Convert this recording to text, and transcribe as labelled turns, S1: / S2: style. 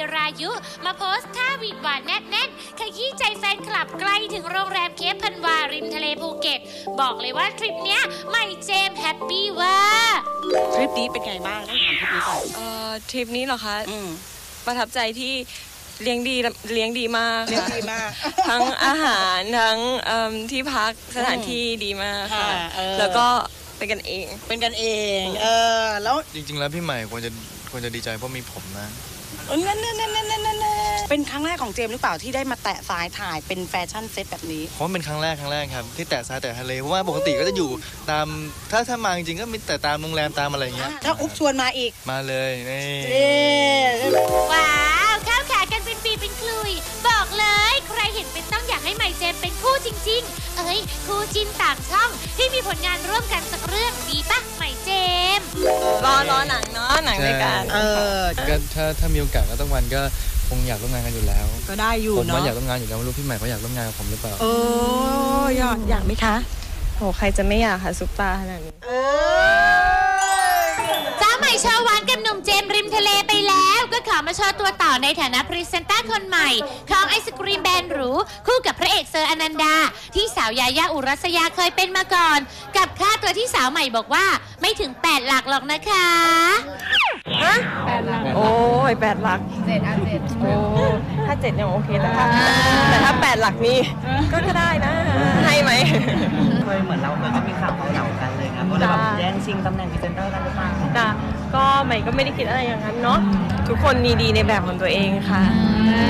S1: รายุมาโพสต์ท่าหวีดหวานแน่นๆขยี้ใจแฟนคลับใกล้ถึงโรงแรมเคปพันวาริมทะเลภูเก็ตบอกเลยว่าทริปเนี้ยใหม่เจมส์แฮปปี้ว่า
S2: ทริปนี้เป็นไงบ้างต้องถามทริปนี้ก่อน
S3: ทริปนี้เหรอคะประทับใจที่เลี้ยงดีมากค่ะทั้งอาหารทั้งที่พักสถานที่ดีมากค่ะแล้วก็เป็นกันเอง
S2: แล้ว
S4: จริงๆแล้วพี่ใหม่ควรจะดีใจเพราะมีผมนะ
S2: นั่นเป็นครั้งแรกของเจมส์หรือเปล่าที่ได้มาแตะสายถ่ายเป็นแฟชั่นเซ็ตแบบนี้
S4: เพราะเป็นครั้งแรกครับที่แตะทรายแตะทะเลเพราะว่าปกติก็จะอยู่ตามถ้ามาจริงๆก็มีแต่ตามโรงแรมตามอะไรอย่างเงี้ย
S2: ถ้าอุ๊บชวนมาอีก
S4: มาเลยนี่
S1: ว้าวข้าวขากันเป็นปีเป็นคลุยบอกเลยใครเห็นเป็นต้องอยากให้ใหม่เจมส์เป็นคู่จริงๆคู่จินต่างช่องที่มีผลงานร่วมกันสักเรื่องดีปะใหม่เจมส์
S3: รอหนังเนาะหนังในการ
S4: ก็ถ้ามีโอกาสก็ต้องวันก็คงอยากร่วมงานกันอยู่แล้ว
S2: ก็ได้อยู่
S4: เนาะผมอยากร่วมงานอยู่แล้วไม่รู้พี่ใหม่เขาอยากร่วมงานกับผมหรือเปล่า
S2: อยากไหมคะ
S3: โหใครจะไม่อยากค่ะซุปตาขนาดนี้
S1: สาวใหม่โชว์หวานกับหนุ่มเจมส์ริมทะเลไปแล้วก็ขอมาโชว์ตัวต่อในฐานะพรีเซนเตอร์คนใหม่ของไอศกรีมแบรนด์หรูคู่กับพระเอกเซอร์อนันดาที่สาวยายาอุรัสยาเคยเป็นมาก่อนกับค่าตัวที่สาวใหม่บอกว่าไม่ถึง8 หลักหรอกนะคะ
S3: ฮะ8 หลักโอ้ย8 หลัก7โอ้ถ้า7ยังโอเคแต่ถ้า8 หลักนี่ก็ได้นะให้ไหม
S5: เคยเหมือนเราเคยก็มีข่าวเหล่ากันเลยนะว่าเราแบบแย่งชิงตำแหน่งพรีเซนเตอร์กันหรือเปล่า
S3: ก็ใหม่ก็ไม่ได้คิดอะไรอย่างนั้นเนาะทุกคนมีดีในแบบของตัวเองค่ะ